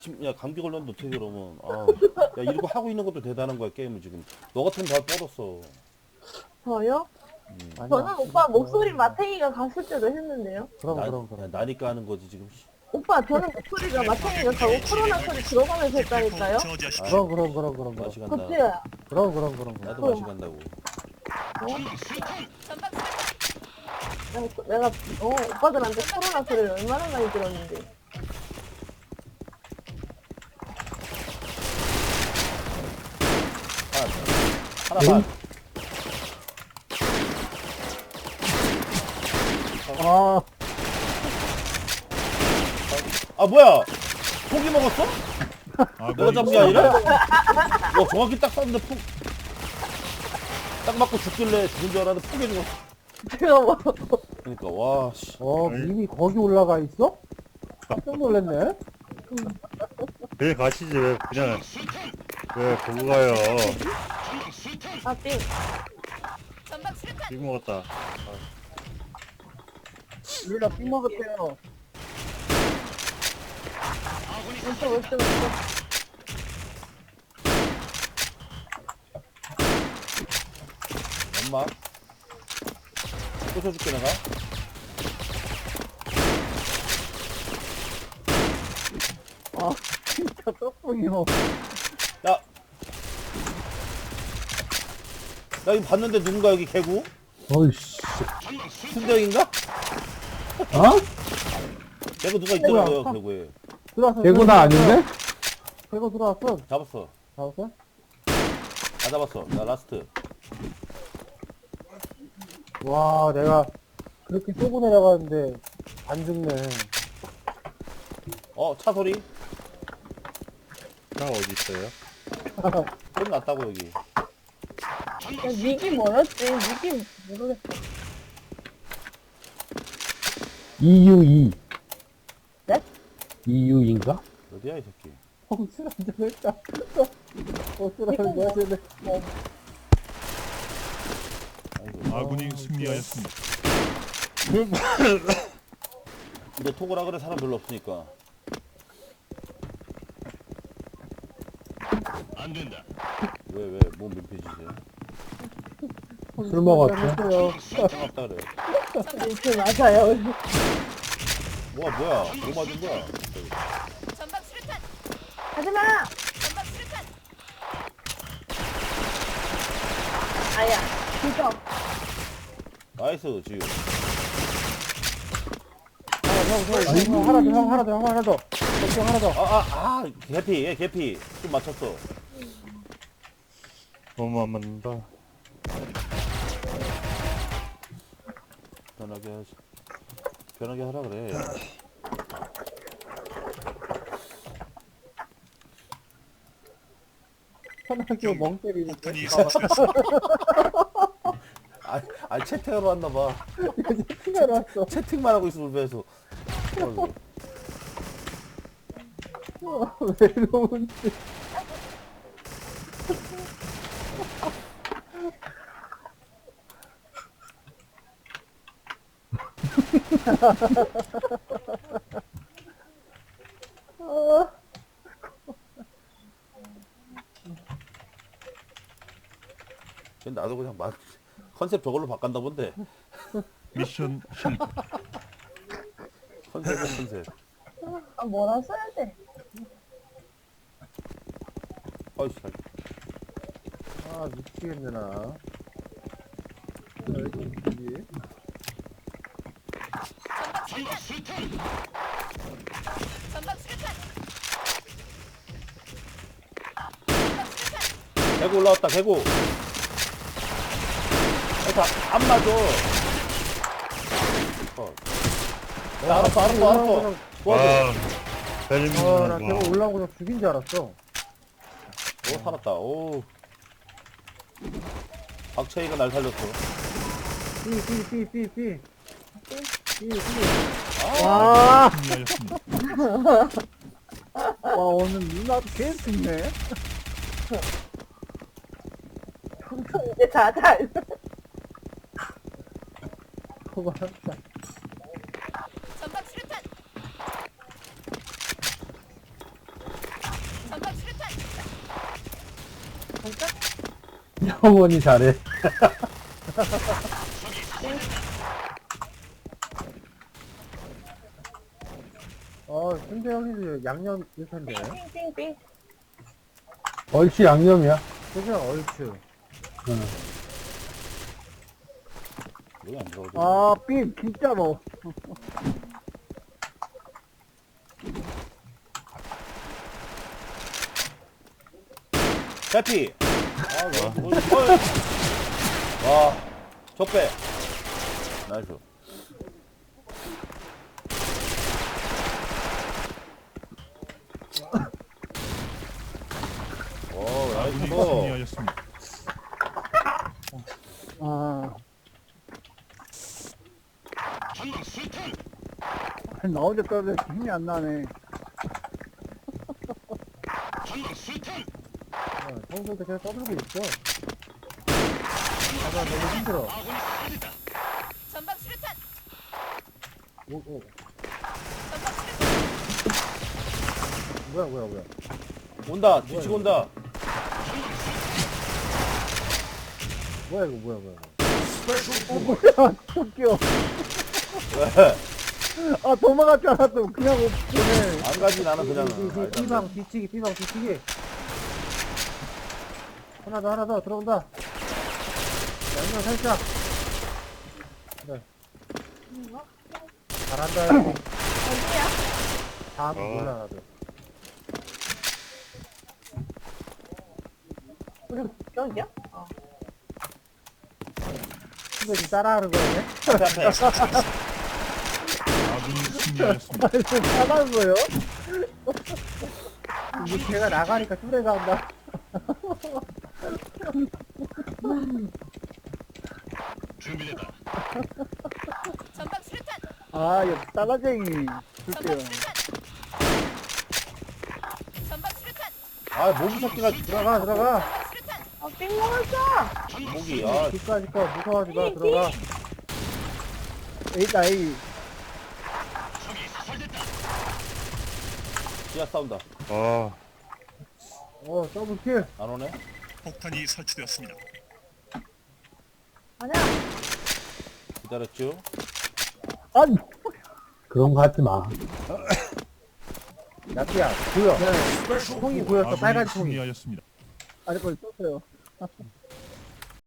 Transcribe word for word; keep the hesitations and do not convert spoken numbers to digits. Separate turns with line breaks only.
지금 야 감기 걸렸는데 어떻게 그러면 아, 야 이러고 하고 있는 것도 대단한 거야 게임을 지금 너 같으면 다 뻗었어.
저요?
음.
아니야.
저는 오빠 목소리 마탱이가 갔을 때도 했는데요.
그럼
나,
그럼
야,
그럼.
나니까 하는 거지 지금.
오빠 저는 목소리가 마탱이가 가고 코로나 소리 들어가면서 했다니까요.
아,
그럼 그럼 그럼 그럼 그럼.
맛이 간다.
그치요?
그럼 그럼 그럼 그럼.
나도 맛이 간다고.
내가, 내가 어, 오빠들한테 코로나 소리를 얼마나 많이 들었는데.
하나 하나 반.
아,
아 뭐야? 포기 먹었어?
아,
내가 잡은 게 아니라? 와 정확히 딱 쐈는데 폭. 딱 맞고 죽길래 죽은 줄 알았는데 포기 죽었어.
제가 뭐
그러니까 와 씨.
어, 님이 거기 올라가 있어? 깜짝 놀랐네.
왜 가시지? 왜 그냥 왜 보고 가요?
아, 삥.
빅 먹었다.
우리가 삥 먹었대요.
왼쪽, 왼쪽, 왼쪽.
엄마. 꽂혀줄게 내가.
아, 진짜 떡붕이요.
야. 나 이거 봤는데 누군가 여기 개구?
어이씨.
순정인가?
어?
개구 누가 있더라고요
뭐야?
개구에.
들어왔어.
개구나 아닌데?
개구 들어왔어.
잡았어.
잡았어?
다 잡았어. 나 라스트.
와, 내가 그렇게 쏘고 내려가는데 안 죽네.
어 차 소리?
차 어디 있어요?
소리 났다고 여기.
야, 닉이 뭐였지? 닉이 모르겠어.
이유이.
네?
이유인가?
어디야 이 새끼?
어, 술 한잔 했다. 어, 술 한잔 마시네.
아이고.
아군이 승리하였습니다.
근데 토고라 그래 사람 별로 없으니까.
안 된다.
왜 왜 몸 민폐지세요?
술 먹었지?
상관없다 그래.
닉 맞아요.
뭐야 뭐야? 뭐 맞은 거야?
전방 수류탄!
하지마!
전방 수류탄!
아야, 진짜.
나이스 지금.
형, 형, 형, 하나 더, 형, 하나 더, 형, 하나 더. 형, 하나 더.
아아아 개피 얘 개피 좀 맞췄어.
너무 안 맞는다.
편하게 하지. 편하게 하라 그래.
편하게 멍 때리니까.
폭탄이 설치됐어.
아, 아 채팅하러 왔나 봐.
피가 났어.
채팅만 하고 있어 울면서.
왜 이러는지.
나도 그냥 막 컨셉 저걸로 바꾼다 본데.
미션 성공.
컨셉은 컨셉.
아, 뭐라 써야 돼?
어이씨.
아, 미치겠네, 나. 여기 있지.
전방 수류탄!
개구 올라왔다 개구. 그러니까 안 맞아. 어. 야, 알았어 알았어 알았어. 도와줘.
와, 벨림
아, 나
와.
걔가 올라오고 그냥 죽인 줄 알았어.
오 살았다. 오. 박채희가 날 살렸어.
삐, 삐, 삐, 삐, 삐. 삐, 삐.
아, 승리하였습니다.
와, 오늘 누나도 계속 죽네.
이제 다, 다.
그거 한다.
전방 수류탄!
진짜?
영원히 잘해.
어, 근데 형님도 양념 일 텐데.
띵띵띵.
얼씨 양념이야.
그죠? 얼추.
응.
여기 안 들어가지.
아, 삐, 진짜 뭐.
해피. 아, 와, 뭐, 뭐, 와, 적배. 나이스. 오, 나이스.
승리하였습니다.
아. 나 혼자 떠도 힘이 안 나네. 평소에 계속 떠들고 있어. 아, 나 너무 힘들어.
전방 수류탄.
오, 오.
전방 수류탄.
뭐야, 뭐야, 뭐야.
온다, 뒤치고 온다.
뭐야, 이거, 뭐야, 뭐야. 어, 뭐야, 웃겨.
왜?
아, 도망갔잖아, 또. 그냥 오네.
안 가지, 나는 그냥.
B방, 뒤치기, B방, 뒤치기. 하나 더, 하나 더, 들어온다. 양념 살짝. 그래. 잘한다, 형.
어디야?
다음
어.
몰라, 나도.
우리 여기야? 어.
근데 지금 따라하는 거네?
앞에, 앞에.
아군이 승리하였습니다.
따라하는 거요? 이게 걔가 나가니까 뚜레가 온다.
전방 수류탄.
아, 이거 따라쟁이.
전방
줄게요.
수류탄. 전방 수류탄.
아, 모기 새끼가
들어가, 들어가.
전방 수류탄.
아, 삥 먹었어!
모기. 아,
뒷까지 거 무서워하지 마, 들어가. A다, A.
지하 싸운다.
아,
어, 더블킬.
안 오네?
폭탄이 설치되었습니다.
아니야.
기다렸죠?
아니,
그런 거 하지 마.
야끼야, 보여. 통이 보였어, 빨간
아군이
통이.
승리하였습니다.
아니, 거기 떴어요.